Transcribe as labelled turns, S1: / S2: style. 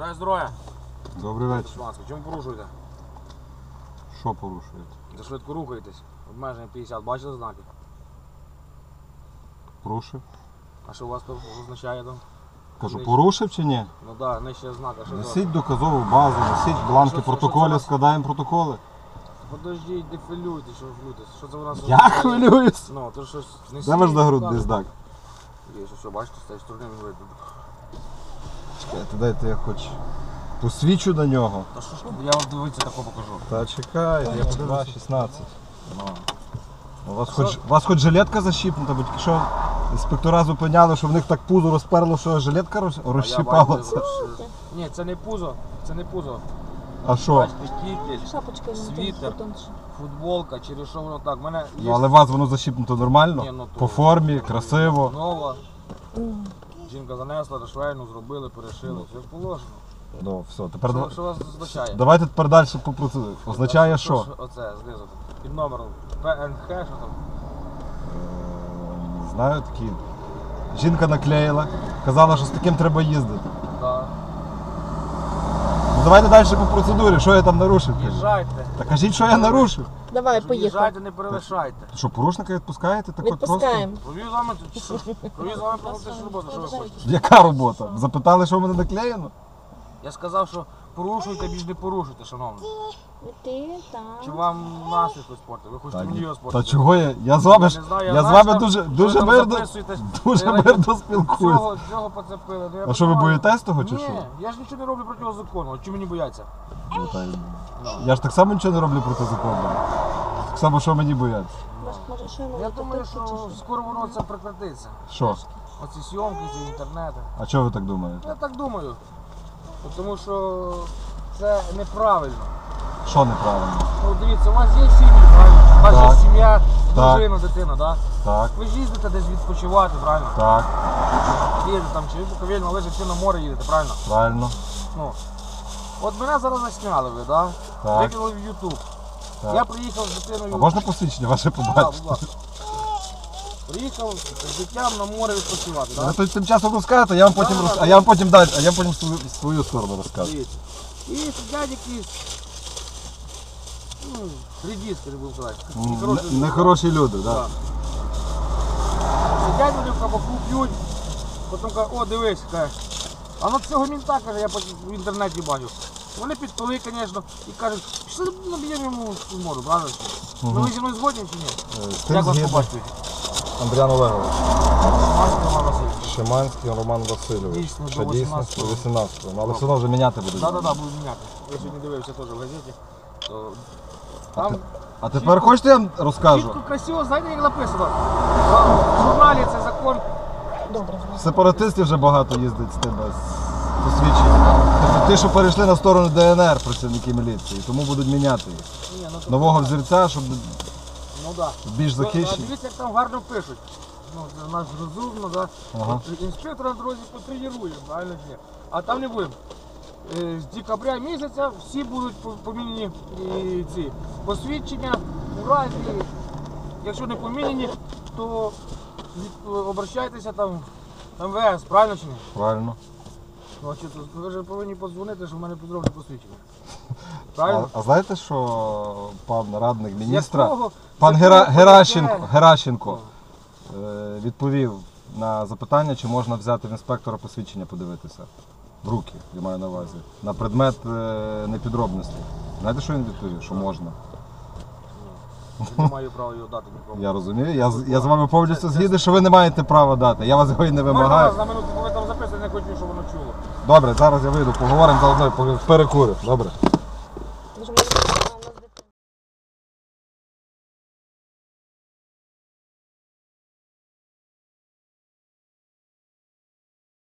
S1: Бажаю здоров'я.
S2: Добрий вечір.
S1: Чому порушуєте?
S2: Що порушуєте?
S1: За швидко рухаєтесь. Обмеження 50. Бачили знаки?
S2: Порушив?
S1: А що у вас тут означає там?
S2: Кажу,
S1: Нижче.
S2: порушив чи ні?
S1: Ну так, нижче знака. Що за?
S2: Несіть доказову базу, несіть бланки
S1: Що
S2: протоколів,
S1: це?
S2: складаємо протоколи.
S1: Подождіть, не хвилюйтесь, що ви хвилюєтесь. Що це у нас?
S2: Я
S1: означає?
S2: хвилююсь.
S1: Ну, то щось несіть.
S2: Де ваш нагрудний
S1: показуйте.
S2: знак?
S1: Є, що, бачите, з цієї сторони він видно.
S2: Чекайте, дайте я хоч посвічу на нього.
S1: Та що ж, я вам дивіться тако покажу.
S2: Та чекайте, я подивлюсь 16.
S1: Ну.
S2: У вас хоч жилетка защіпнута, бо тільки що інспектора зупиняли, що в них так пузо розперло, що жилетка
S1: А я бачу,
S2: розщіпалася.
S1: що- Ні, це не пузо, це не пузо.
S2: А що?
S1: Бачите, кітель,
S3: Шапочка
S1: світер, футболка, через що воно так. У мене
S2: Ну,
S1: є
S2: але у вас воно защіпнуто нормально?
S1: Ні, ну, то-
S2: По формі, красиво.
S1: нова. Жінка занесла до швейну, зробили, перешили, все положено.
S2: Ну, все, тепер
S1: Що вас означає?
S2: давайте тепер далі по процедурі. Означає що?
S1: Оце, знизу. Під номером ПНХ, що там?
S2: Не знаю, такі. Жінка наклеїла, казала, що з таким треба їздити.
S1: Да.
S2: Ну давайте далі по процедурі, що я там нарушив? кажіть.
S1: Їжджайте.
S2: Та кажіть, що я нарушив.
S3: Давай, поїхали.
S1: Їжджайте, не перелишайте.
S2: Що, порушника відпускаєте? Так от просто?
S3: Відпускаємо.
S1: Провів з вами тут що? Провів з вами професійну роботу, що ви хочете?
S2: Яка робота? Запитали, що в мене наклеєно?
S1: Я сказав, що порушуйте, більш не порушуйте, шановний.
S3: Ти там.
S1: Чи вам настрій хтось спортить? Ви хочете мені його
S2: Та
S1: спортити?
S2: чого я? Я з вами ж
S1: не знаю,
S2: я з
S1: знаю,
S2: вами
S1: що
S2: дуже
S1: ви
S2: дуже
S1: там
S2: мирно
S1: записуєтесь.
S2: дуже
S1: Ви
S2: мирно спілкуюсь.
S1: Цього поцепили. Ну, я
S2: А що ви
S1: понимаю.
S2: боїтесь того чи
S1: Ні,
S2: що?
S1: я ж нічого не роблю проти закону. Чому мені бояться?
S2: Ну, та й- Я ж так само нічого не роблю проти закону. Так само, що мені бояться.
S3: Може, що йому
S1: Я
S3: тут
S1: думаю,
S3: чи
S1: що скоро воно це прекратиться.
S2: Що?
S1: Оці зйомки, ці інтернети.
S2: А чого ви так думаєте?
S1: Я так думаю. Тому що це неправильно.
S2: Що неправильно?
S1: Ну дивіться, у вас є сім'ї, правильно? У вас
S2: Так.
S1: є сім'я,
S2: Так.
S1: дружина, дитина, так?
S2: Так,
S1: Ви ж їздите десь відпочивати, правильно?
S2: так,
S1: Їдете там, чи ви Буковель, лежить, чи на море їдете, правильно?
S2: правильно.
S1: Ну, от мене зараз засняли ви, да?
S2: Так.
S1: Викинули в YouTube.
S2: Так.
S1: Я приїхав з дитиною.
S2: А можна посвідчення ваше
S1: Да,
S2: побачити?
S1: будь ласка. Приїхав з дитям на море відпочивати,
S2: Ви
S1: так?
S2: тут тим часом розкажете, а я вам потім
S1: Да, да,
S2: а я вам потім далі, а я потім свою сторону розкажу.
S1: Дивіться. І сидять якісь, ну, редіски, не буду казати.
S2: Нехороші люди, так.
S1: Да. Сидять вони в кабаку, п'ють, потім кажуть, о, дивись, каже. А на цього мінта, каже, я в інтернеті бачу. Вони підпили, звісно, і кажуть, що наб'ємо йому в морду, правда? Ну ви зі мною згодні чи ні?
S2: З тим
S1: Як вас
S2: згідно.
S1: побачите?
S2: Андріан Олегович.
S1: Масло Роман Васильович.
S2: Шиманський Роман Васильович.
S1: Дійсно, до
S2: Ще дійсно
S1: 18-го.
S2: 18-го. Ну, але все одно вже міняти будуть.
S1: Да, буду міняти. Я сьогодні дивився теж в газеті. То там
S2: А тепер хочете я вам розкажу?
S1: чітко, красиво, знаєте, як написано? В журналі це закон.
S3: Добре.
S2: Сепаратистів вже багато їздить з тебе з посвідчення. Тобто ті, що перейшли на сторону ДНР, працівники міліції, тому будуть міняти їх.
S1: Ні, ну, то
S2: Нового
S1: правильно.
S2: взірця, щоб
S1: Ну да.
S2: більш
S1: Ну, а
S2: захищені.
S1: дивіться, як там гарно пишуть. Ну, це наш розумно, да.
S2: Ага.
S1: От інспектор на дорозі потренує, правильно чи ні? А там не будемо. З декабря місяця всі будуть поміняні ці посвідчення, у разі, якщо не поміняні, то обращайтеся там в МВС, правильно чи ні?
S2: Правильно.
S1: Ну, а що, ви вже повинні подзвонити, що в мене підробне посвідчення. Правильно?
S2: А знаєте, що пан радник міністра,
S1: Якого?
S2: пан
S1: Якого
S2: Геращенко відповів на запитання, чи можна взяти в інспектора посвідчення подивитися. В руки, я маю на увазі. На предмет непідробності. Знаєте, що він відповів? Що можна.
S1: Я не маю права його дати нікому.
S2: Я розумію. Я з вами повністю згідний, що ви не маєте права дати. Я вас його і не
S1: Можна
S2: вимагаю.
S1: вас на минуту, бо ви там записуєте, не хочу, щоб воно чуло.
S2: Добре, зараз я вийду, поговоримо заодно і перекурю. Добре.
S3: Може, у нас